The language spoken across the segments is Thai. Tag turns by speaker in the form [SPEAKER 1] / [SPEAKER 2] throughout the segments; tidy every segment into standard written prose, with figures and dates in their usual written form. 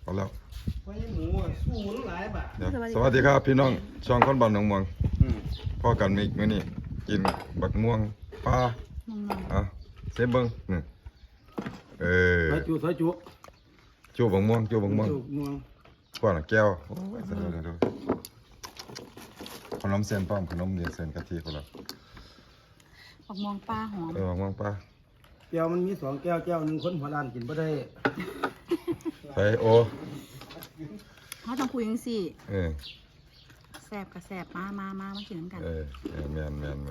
[SPEAKER 1] เอาแล้ว
[SPEAKER 2] ไว้หมูสู้หมูหลายบาท
[SPEAKER 1] เดี๋ยวสวัสดีครับพี่น้องช่องคนบ้านหนองม่วงพ่อกันมีมื้อนี้กินบักม่วงปลาเอาเซฟเบิ้งนี่
[SPEAKER 2] ซอยจุ
[SPEAKER 1] จูบักม่วง
[SPEAKER 2] ม่วง
[SPEAKER 1] กว่าน่ะแก้วโอ้ยเดี๋ยวขนมเส้นป้อมขนมเหนียวเส้นกะทิคนละ
[SPEAKER 3] บักม่วงปลาหอม
[SPEAKER 1] บักม่วงปลา
[SPEAKER 2] แก้วมันมี2แก้วแก้วนึงคนหัวล้านกินบ่ได้
[SPEAKER 1] ไปโอ
[SPEAKER 3] เขาต้องคุยกันสิ
[SPEAKER 1] เออ
[SPEAKER 3] แสบกับแสบมากินน้ำกัน
[SPEAKER 1] แมน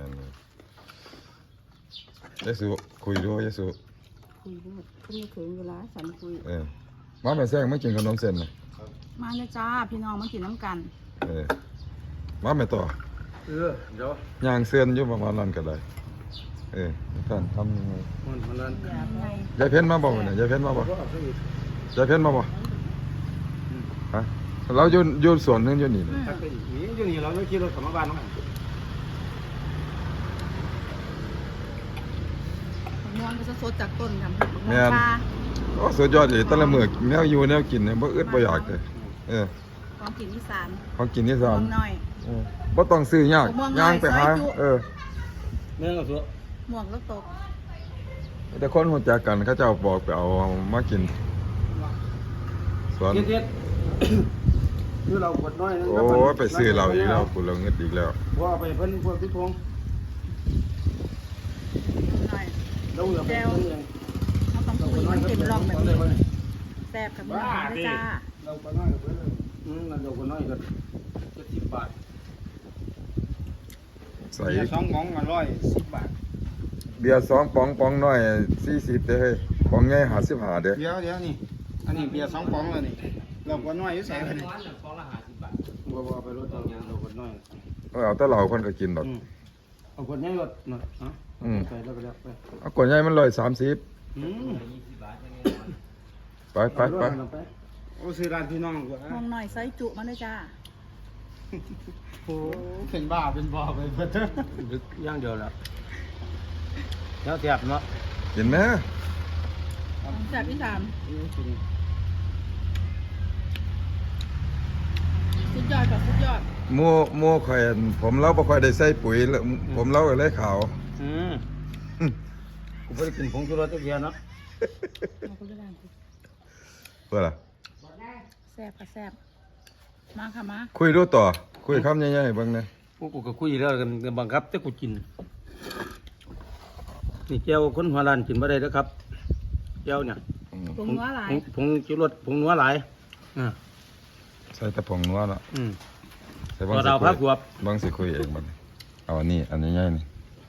[SPEAKER 1] ยายสุคุยด้วยยายสุ
[SPEAKER 3] คุยด้วยคุยถึงเวลาสันคุย
[SPEAKER 1] มาแม่แซงไม่กินขนมเส้นนะ
[SPEAKER 3] มาเลยจ้าพี่น้องมากินน้ำกัน
[SPEAKER 1] มาแม่ต่อ
[SPEAKER 2] เดี๋ยว
[SPEAKER 1] ย่างเส้นอยู่ประมาณนั้นก็ได้ท่านทำยังไง
[SPEAKER 2] มันหัวล้าน
[SPEAKER 1] ยายเพ้นมาบอกเนี่ยยายเพ้นมาบอกยายเพ้นมาบอกฮะเราอยู่สวนนึงอยู่นี่
[SPEAKER 2] ตักไปอีกอยู่นี่เราไม่ขี่รถกลับมาบ้านมั้ง
[SPEAKER 3] บักม่วงก็จะสดจากต้นกันบักม่วงปลา
[SPEAKER 1] โอ้สุดยอดเลยแต่ละมื้อแนวอยู่แนวกินเนี่ยบ่อึดบ่อยากเลย
[SPEAKER 3] ของกินอีสาน
[SPEAKER 1] ของกินที่สาม
[SPEAKER 3] ม่วงน้อย
[SPEAKER 1] บ่ต้องซื้อยากย่างไปหา
[SPEAKER 2] เนื้อกับตัว
[SPEAKER 3] ม่วงก็ตก
[SPEAKER 1] แต่คนรู้จักกันเขาเจ้าบอกไปเอามากินสวน
[SPEAKER 2] เด็ดคือเราปวดน้อยนึง
[SPEAKER 1] โอ้ไปซื้อเราอีกแล้วกูเราเงินอีกแล้ว
[SPEAKER 2] ว่าไปเพิ่นพวกพี่พง
[SPEAKER 3] น้อย
[SPEAKER 2] เราอย่าไปเพิ่นเอง
[SPEAKER 3] เขาต้องคุยมันเต็มร่องแบบนี้แสบกับม่วงเลยจ้า
[SPEAKER 2] เราไปน้อยกับเพิ่นนั่นเราคนน้อยก็70 บาท
[SPEAKER 1] ใส่
[SPEAKER 2] 2กล่องมา110 บาท
[SPEAKER 1] เบียร์2ป๋องน้อย40เด้อเฮ้ยป๋องใหญ่55เด้อ
[SPEAKER 2] เดี๋ยวนี่อันนี้เบียร์2ป๋องแล้วนี่เราคนน้อยอยู่ใส่กันบ่ไปรถเราคนน้อย
[SPEAKER 1] เอาแต่เหล้าคนก็กินดอก
[SPEAKER 2] เอาคนน้อยรถหน่อยไปแล้วไปแล้วไป
[SPEAKER 1] เอากว่าใหญ่มัน130ไป
[SPEAKER 2] โอ้ซื้อร้านพี่น้องกว่า
[SPEAKER 3] ม่วงน้อยไซส์จุมาเลยจ้า
[SPEAKER 2] โอ้เป็นบ้าเป็นบ่อไปเพิ่นย่างเดียวแล้วแล้วเสียบเนาะ
[SPEAKER 1] กินไหม
[SPEAKER 3] แสบที่สามสุดยอดกับสุดยอด
[SPEAKER 1] หมู่ข่อยผมเราบ่ค่อยได้ใส่ปุ๋ยแล้วผมเราก็เลยขาว
[SPEAKER 2] กูไม่ได้กินผงชูรสตะเกียบเนาะ
[SPEAKER 3] มาคุยกัน
[SPEAKER 1] เพื่อล่ะ
[SPEAKER 3] แสบกับแสบมาค่ะมา
[SPEAKER 1] คุยดูต่อคุยคำใหญ่ๆเบิ่งนะ
[SPEAKER 2] พวกกูก็คุยแล้วกันบังคับแต่กูกินนี่แก้วคนหัวล้านกินบ่ได้นะครับแก้วเนี่ย
[SPEAKER 3] ผงนัวหลาย
[SPEAKER 2] ผงชูรสผงนัวหลาย
[SPEAKER 1] ใส่แต่ผงนัวละใส่
[SPEAKER 2] พอเราพักหัว
[SPEAKER 1] บางสิคุยเองบัดนี้เอาอันนี้ใหญ่ๆนี่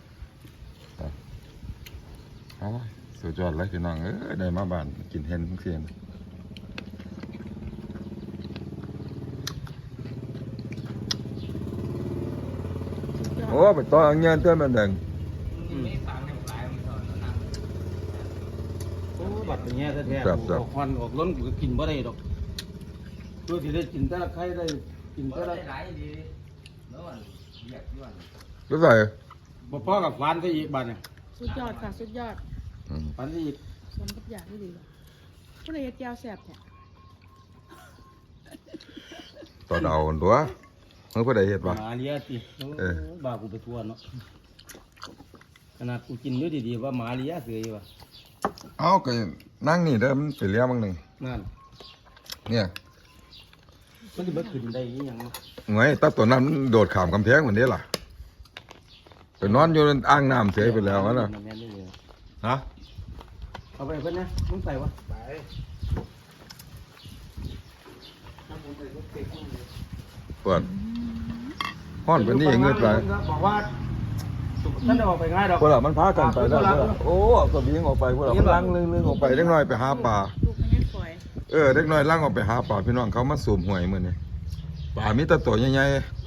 [SPEAKER 1] เอาสุดยอดเลยพี่น้องได้มาบ้านกินเห็นเสียนโอ้ไปต่อเงินเตือนมันเด้ง
[SPEAKER 2] โอ้บัดเป็นแง่แท้ๆออกควันออกล้นกูก็กินบ่ได้ดอกตัวที่ได้กินแต่ละไข่ได้กินแต่ละ
[SPEAKER 1] รู้ใส่
[SPEAKER 2] บ่พอกับฟันซะอีกบัดเนี่ย
[SPEAKER 3] สุดยอดค่ะสุดยอด
[SPEAKER 2] ฟันซะอีก
[SPEAKER 3] สมกับอยากได้ดีผู้ใดเฮ็ดแก้วแสบเนี่ย
[SPEAKER 1] ต่อเดาตัวเมื่อผู้ใดเห็ด
[SPEAKER 2] ห
[SPEAKER 1] วะ
[SPEAKER 2] มาเลี้ยติบ้ากูไปทั่วเนาะขนาดกูกินด้วยดีๆว่าหมาเลี้ยเสืออยู่ว่ะ
[SPEAKER 1] เอาก็นั่งนี่เด้อมันไปเลี้ยงบางหนึ่ง
[SPEAKER 2] นั่น
[SPEAKER 1] เนี่ย
[SPEAKER 2] มันจะมาขึ้นได้ยังเนาะ
[SPEAKER 1] ไงตาตัวนั้นมันโดดข้ามกำแพงเหมือนนี้ล่ะไปนอนอยู่ในอ่างน้ำเสียไปแล้วนะ ฮะ
[SPEAKER 2] เอาไปเพิ่นนะมึงใส่วะไป
[SPEAKER 1] เปิดห้อนเป็นนี่เงือดไป
[SPEAKER 2] บอกว่าท่านจะออกไปง่ายดอก
[SPEAKER 1] พวกเรามันพากันไปแล้วโอ้เอากระบี่ออกไปพวกเรามันลังลึงออกไปเล็กน้อยไปหาปลา
[SPEAKER 3] ลูกไม่ได้ฝอย
[SPEAKER 1] เล็กน้อยลังออกไปหาปลาพี่น้องเขามาสูบหวยมื้อนี้ปลามีแตะตัวใหญ่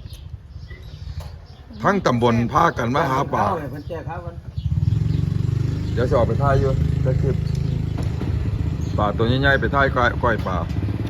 [SPEAKER 1] ๆทั้งตำบลพากันมาหาปลา
[SPEAKER 2] เพิ่นแจกครับมัน
[SPEAKER 1] เดี๋ยวจะออกไปท่ายอยู่จะคลิปปลาตัวใหญ่ๆไปท่ายก้อยปลา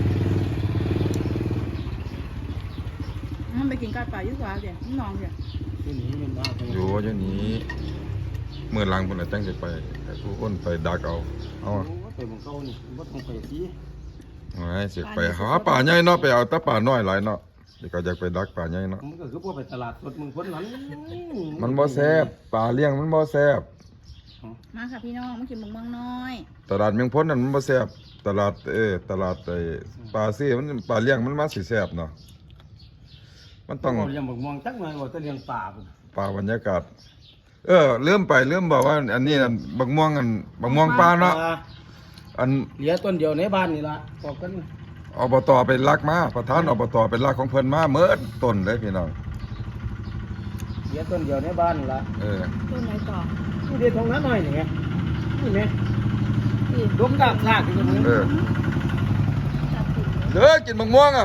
[SPEAKER 3] มันไปกินก้อยปลายุ่งกว่าเดี๋ยวน้องเดี๋ยว
[SPEAKER 2] ที่นี่มันบ้าไป
[SPEAKER 1] อยู่อย่างนี้เมื่อหลังคนไหนตั้งใจไปแต่ผู้อ้นไปดักเอา
[SPEAKER 2] โอ้ไปมองเก่านี่บ่ต้องไปสิ
[SPEAKER 1] ไว้ให้สิไปหาป่าใหญ่เนาะไปเอาแต่ป่าน้อยหลายเนาะเดี๋ยวก็อยากไปดักป่าใหญ่เนาะ
[SPEAKER 2] มันก็คือพวกไปตลาดสดมึงคนนั้น
[SPEAKER 1] มันบ่แซ่บป่าเลี้ยงมันบ่แซ่บ
[SPEAKER 3] มาค่ะพี่น้องมากินหมึกเมืองน้อย
[SPEAKER 1] ตลาดเมืองพ้นนั่นมันบ่แซ่บตลาดตลาดไอ้ปลาซี่มันปลาเลี้ยงมันมาสิแซ่บเนาะมันต้อง
[SPEAKER 2] เลี้ยงบักม่วงจักหน่อยว่าจะเลี้ยงป่าพุ่น
[SPEAKER 1] ปลาบรรยากาศลืมบอกว่าอันนี้นั่นบักม่วงปลาเนาะอัน
[SPEAKER 2] เหลือต้นเดียวในบ้านนี่ล่ะบอกกัน
[SPEAKER 1] อบตไปลักมาประธานอบตเป็นลักของเพิ่นมาเมิดต้นเลยพี่น้อง
[SPEAKER 2] เหลือต้นเดียวในบ้านนี่ล่ะ
[SPEAKER 3] ต้นไหนต่อ
[SPEAKER 2] นี่เดี๋ยวตรงนั้นหน่อยนี่ไงนี่ไง
[SPEAKER 3] อีก
[SPEAKER 2] ดมดากลากอยู่ตรงนี้
[SPEAKER 3] จับผิดเลย
[SPEAKER 1] เด้อกินบักม่วงอ่ะ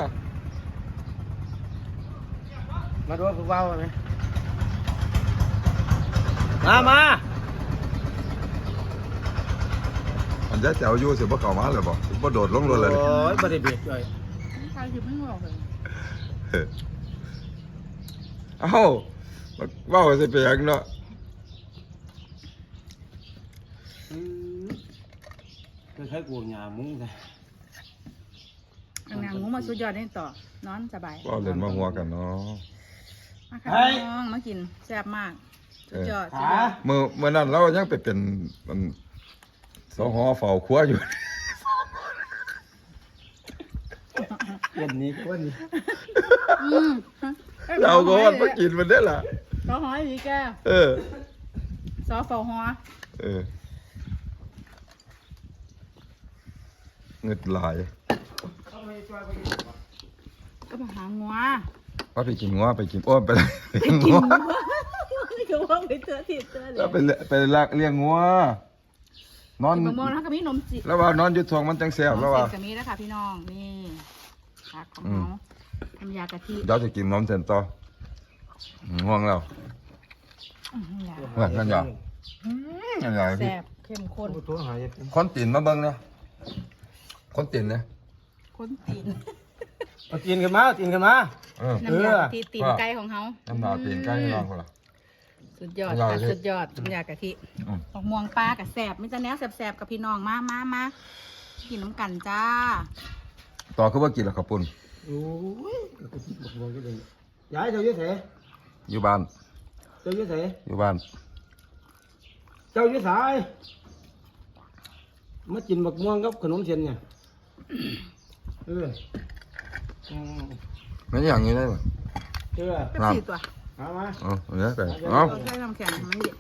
[SPEAKER 2] มาดูผู้เบาไหมมา
[SPEAKER 1] อันจะแจ๋วอยู่สิบ่เข้ามาเลยบ่บ่โดดลงรถเลย
[SPEAKER 2] โอ้ยบ่ได้เบียดเลย
[SPEAKER 3] ใครคิดไม่ออกเลย
[SPEAKER 1] เอ้าเว้าสิไปหยังเนาะ
[SPEAKER 2] จะใช้กูหยามุ้งเลย
[SPEAKER 3] นางงูมาสุดยอดนี่ต่อนอนสบาย
[SPEAKER 1] เว้าเล่นมาหัวกันเนาะ
[SPEAKER 3] มาค่ะพี่น้องมากินแซ่บมากสุดยอดสุดยอด
[SPEAKER 1] มื้อนั้นเรายังไปเป็นสหเฝ้าครัวอยู่
[SPEAKER 2] เย็นนี้ก็วันนี้
[SPEAKER 3] อืม
[SPEAKER 1] เราก็ว่ามากินมันได้ล่ะ
[SPEAKER 3] ซอหอยดีแก
[SPEAKER 1] เออ
[SPEAKER 3] ซอเฝ้าหัว
[SPEAKER 1] เงิดหลาย
[SPEAKER 3] ก็มาหางัว
[SPEAKER 1] ว่าไปกินงัวไปกินโอ้ไปกิน
[SPEAKER 3] กิน
[SPEAKER 1] งัว
[SPEAKER 3] นี่ก็ว่าไปเจอที่เจอเลย
[SPEAKER 1] แล้วไปลักเลี้ยงงัวนอน
[SPEAKER 3] มะม่วงแล้วก็มีนมจี
[SPEAKER 1] แล้วว่านอนอยู่ทวงมันจังแซ่บแล้วว่า
[SPEAKER 3] เสร็จกับนี้แล้วค่ะพี่น้องนี่ผักของเขาทำยากะทิ
[SPEAKER 1] เดี๋ยวจะกินนมเส้นต่อง่วงแล้ว
[SPEAKER 3] อื้อหือ
[SPEAKER 1] เฮ้ยนั่นอย่างนั่นอย่างพี่
[SPEAKER 3] แซ่บเข้มข้น
[SPEAKER 2] ตัวหาย
[SPEAKER 1] คนตีนมาเบิ่งเนี่ยคนตีนเนี่ย
[SPEAKER 3] ข้นตีน
[SPEAKER 2] เอาตีนกันมาตีนกันมา
[SPEAKER 1] เออ
[SPEAKER 3] น้ำยากะทิตีนไก่ของเขา
[SPEAKER 1] น้ำหนาตีนใกล้ให้น้องคนละ
[SPEAKER 3] สุดยอด
[SPEAKER 1] อร่อย
[SPEAKER 3] ค่ะ
[SPEAKER 1] เลย
[SPEAKER 3] สุดยอดน้ำยากะทิ
[SPEAKER 1] อืม
[SPEAKER 3] มะม่วงปลากับแซ่บมิจะแนวแซ่บๆกับพี่น้องมากินน้ำกันจ้า
[SPEAKER 1] ต่อคือว่ากินแล้วขอบปุ่น
[SPEAKER 2] โอ้ยบอกบอกก็เลยย้ายเจ้าเยอะเส
[SPEAKER 1] อยู่บ้าน
[SPEAKER 2] เจ้าเยอะเส
[SPEAKER 1] อยู่บ้าน
[SPEAKER 2] เจ้าเยอะสายมากินบักม่วงกับขนมเทียนเนี่ยเออ
[SPEAKER 1] ไม่อย่างนี้ได้ไหม
[SPEAKER 2] เออ
[SPEAKER 3] เป็นสี่ตัว
[SPEAKER 2] เอามา
[SPEAKER 1] เอาเนี้ยไปเอา
[SPEAKER 3] เราใช้น้ำแข็งมันเย็น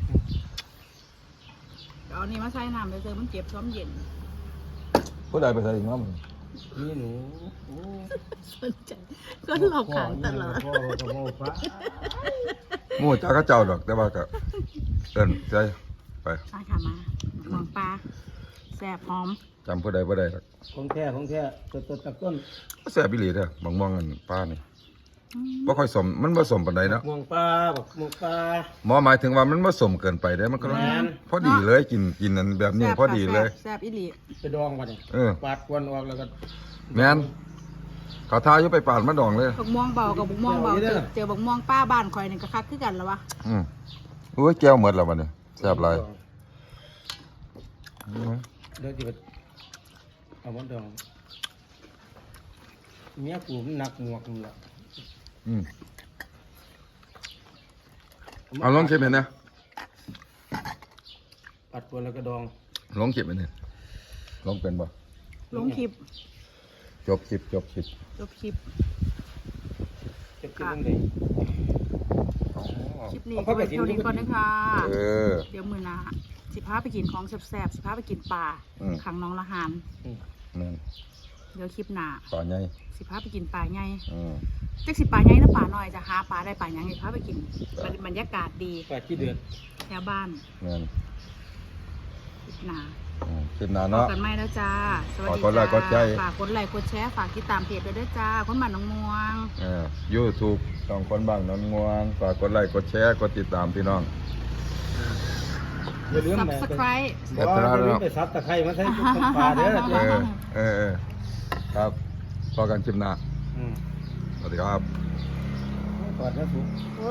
[SPEAKER 3] เอาอันนี้มาใส่น้ำไปเจอมันเจ็บซ้อมเย็น
[SPEAKER 1] ผู้ใดไปใส่อีกน้ำ
[SPEAKER 2] นี่หนูโอ้
[SPEAKER 3] สนใจก็หลอกขางตลอด
[SPEAKER 2] พ่อกับพ่อฟ้า
[SPEAKER 1] หมู่จ้าก็เจ้าดอกแต่ว่าก็เอิ้นใจไป
[SPEAKER 3] มาค่ะมาหมองปลาแซ่บหอม
[SPEAKER 1] จำผู้ใดผู้ใดหรอก
[SPEAKER 2] ของแท้ตัวตักต้น
[SPEAKER 1] แซ่บอีหลีเด้อบางม่วงกันป้านี่บ่ค่อยสมมันบ่สมปานใดเนาะ
[SPEAKER 2] ม่วงปลาบักม่วงปลา
[SPEAKER 1] หมอหมายถึงว่ามันบ่สมเกินไปเด้มันก็
[SPEAKER 2] แม่น
[SPEAKER 1] พอดีเลยกินอันแบบนี้
[SPEAKER 3] แซ่บ
[SPEAKER 1] พอดีเลย
[SPEAKER 3] แซ่บอีหลี
[SPEAKER 2] ไปดองก่อนเนี่ย
[SPEAKER 1] เออ
[SPEAKER 2] ปาดกวนออกแล้วก็
[SPEAKER 1] แม่นเขาทาอยู่ไปปาดมาดองเลย
[SPEAKER 3] บักม่วงเบากับบักม่วงเบาเจอบักม่วงป้าบ้านคอยนี่ก็คักคือกันแล้ววะ
[SPEAKER 1] อุ้ยแก้วหมดแล้วบัดนี้แซ่บหลาย
[SPEAKER 2] เดี๋ยวจะไปเอามันดองเมียกูมันหนักหมวกนี่แหละ
[SPEAKER 1] เอาลองเก็บเห็นนะ
[SPEAKER 2] ปาดกวนแล้วก็ดอง
[SPEAKER 1] ลองเก็บเห็นนะลองเป็นบ่
[SPEAKER 3] ลงคลิป
[SPEAKER 1] จบคลิป
[SPEAKER 3] จบคลิป
[SPEAKER 2] จะกินยังไง
[SPEAKER 3] คลิปนี้ก็เท่านี้ก่อนนะคะ
[SPEAKER 1] เออ
[SPEAKER 3] เดี๋ยวมือหน้าสิพาไปกินของแซ่บๆสิพาไปกินปลา
[SPEAKER 1] อืม
[SPEAKER 3] ขังน้องละหาน
[SPEAKER 1] นั่น
[SPEAKER 3] เดี๋ยวคลิปหน้า
[SPEAKER 1] ปลาใหญ่
[SPEAKER 3] สิพาไปกินปลาใหญ่
[SPEAKER 1] อืม
[SPEAKER 3] จักสิปลาใหญ่นะปลาน้อยจะหาปลาได้ปลาใหญ่พาไปกินบรรยากาศดี
[SPEAKER 2] ปลาขี้เดือด
[SPEAKER 3] แถวบ้าน
[SPEAKER 1] นั่น
[SPEAKER 3] คลิปหน้า
[SPEAKER 1] คลิปหน้า
[SPEAKER 3] พบ
[SPEAKER 1] เนาะ
[SPEAKER 3] กันใหม่แล้วจ้าสวัสดี
[SPEAKER 1] ฝากกดไลค์กดแชร์
[SPEAKER 3] ฝากกดไลค์กดแชร์ฝากติดตามเพจด้วยด้วยจ้าคนบ้านหนองม่วง
[SPEAKER 1] YouTube สองคนบ้างน้องงวงฝากกดไลค์กดแชร์กดติดตามพี่น้อง
[SPEAKER 2] อย่าลืม
[SPEAKER 3] Subscribe
[SPEAKER 2] บอกว่าอย่าลืมไปซับตะไคร้มาใส่ต้มปลาเด้อ
[SPEAKER 1] ครับพอกันคลิปหน้า
[SPEAKER 2] อืม
[SPEAKER 1] สวัสดีครับ
[SPEAKER 2] ก่อนนะทุก